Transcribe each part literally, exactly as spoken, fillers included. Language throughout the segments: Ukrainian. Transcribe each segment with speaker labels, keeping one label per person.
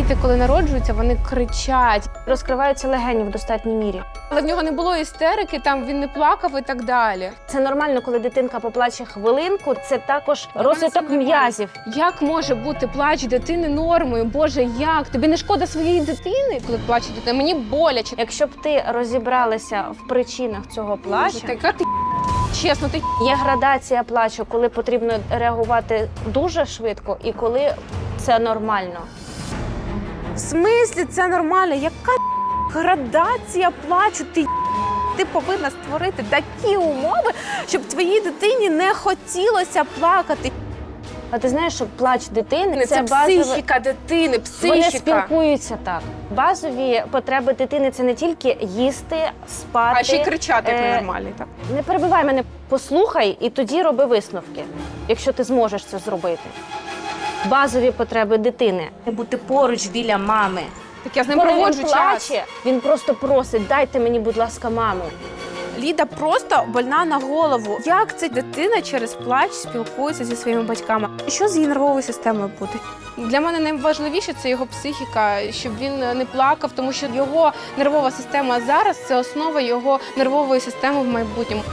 Speaker 1: Діти, коли народжуються, вони кричать.
Speaker 2: Розкриваються легені в достатній мірі.
Speaker 1: Але в нього не було істерики, там він не плакав і так далі.
Speaker 2: Це нормально, коли дитинка поплаче хвилинку, це також розвиток м'язів.
Speaker 1: Як може бути плач дитини нормою? Боже, як? Тобі не шкода своєї дитини, коли плаче дитина? Мені боляче.
Speaker 2: Якщо б ти розібралася в причинах цього плачу,
Speaker 1: Боже, така ти чесно, ти
Speaker 2: є градація плачу, коли потрібно реагувати дуже швидко і коли це нормально.
Speaker 1: В смислі це нормально? Яка градація плачу? Ти Ти повинна створити такі умови, щоб твоїй дитині не хотілося плакати.
Speaker 2: А ти знаєш, що плач дитини –
Speaker 1: Це,
Speaker 2: це базове...
Speaker 1: психіка дитини, психіка.
Speaker 2: Вони спілкуються так. Базові потреби дитини – це не тільки їсти, спати.
Speaker 1: А ще й кричати, як
Speaker 2: е,
Speaker 1: ненормальний. Так.
Speaker 2: Не перебивай мене, послухай і тоді роби висновки, якщо ти зможеш це зробити. Базові потреби дитини – бути поруч біля мами.
Speaker 1: Так я з ним
Speaker 2: Коли
Speaker 1: проводжу
Speaker 2: він
Speaker 1: час.
Speaker 2: плаче, він просто просить: дайте мені, будь ласка, маму.
Speaker 1: Ліда просто больна на голову. Як ця дитина через плач спілкується зі своїми батьками? Що з її нервовою системою буде? Для мене найважливіше – це його психіка, щоб він не плакав, тому що його нервова система зараз – це основа його нервової системи в майбутньому.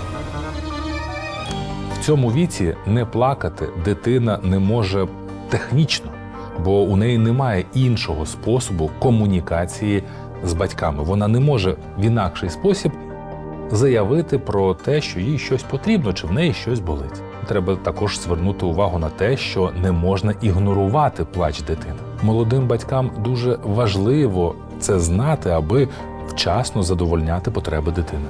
Speaker 3: В цьому віці не плакати дитина не може технічно, бо у неї немає іншого способу комунікації з батьками. Вона не може в інакший спосіб заявити про те, що їй щось потрібно, чи в неї щось болить. Треба також звернути увагу на те, що не можна ігнорувати плач дитини. Молодим батькам дуже важливо це знати, аби вчасно задовольняти потреби дитини.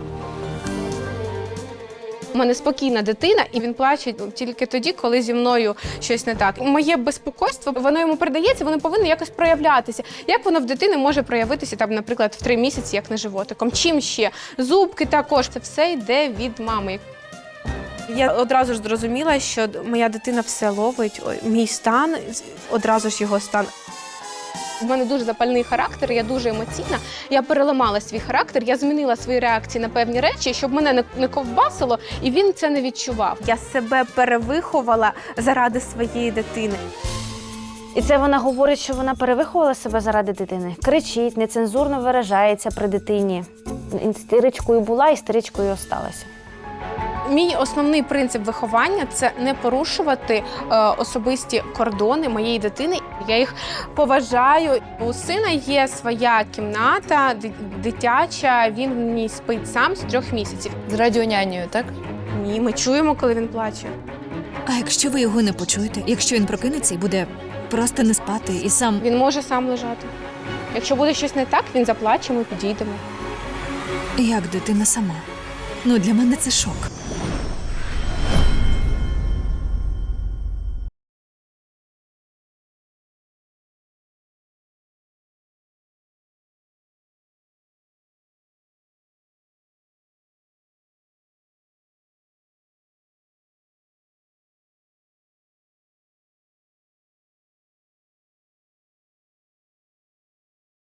Speaker 1: У мене спокійна дитина, і він плаче тільки тоді, коли зі мною щось не так. Моє безпокойство, воно йому передається, воно повинно якось проявлятися. Як воно в дитини може проявитися, там, наприклад, в три місяці, як не животиком? Чим ще? Зубки також. Це все йде від мами. Я одразу ж зрозуміла, що моя дитина все ловить, мій стан, одразу ж його стан. У мене дуже запальний характер, я дуже емоційна. Я переламала свій характер, я змінила свої реакції на певні речі, щоб мене не, не ковбасило, і він це не відчував. Я себе перевиховала заради своєї дитини.
Speaker 2: І це вона говорить, що вона перевиховувала себе заради дитини. Кричить, нецензурно виражається при дитині. Істеричкою була, істеричкою осталася.
Speaker 1: Мій основний принцип виховання – це не порушувати е, особисті кордони моєї дитини. Я їх поважаю. У сина є своя кімната, дитяча, він в ній спить сам з трьох місяців.
Speaker 4: З радіонянею, так?
Speaker 1: Ні, ми чуємо, коли він плаче.
Speaker 4: А якщо ви його не почуєте? Якщо він прокинеться і буде просто не спати і сам...
Speaker 1: Він може сам лежати. Якщо буде щось не так, він заплаче, ми підійдемо.
Speaker 4: Як дитина сама? Ну, для мене це шок.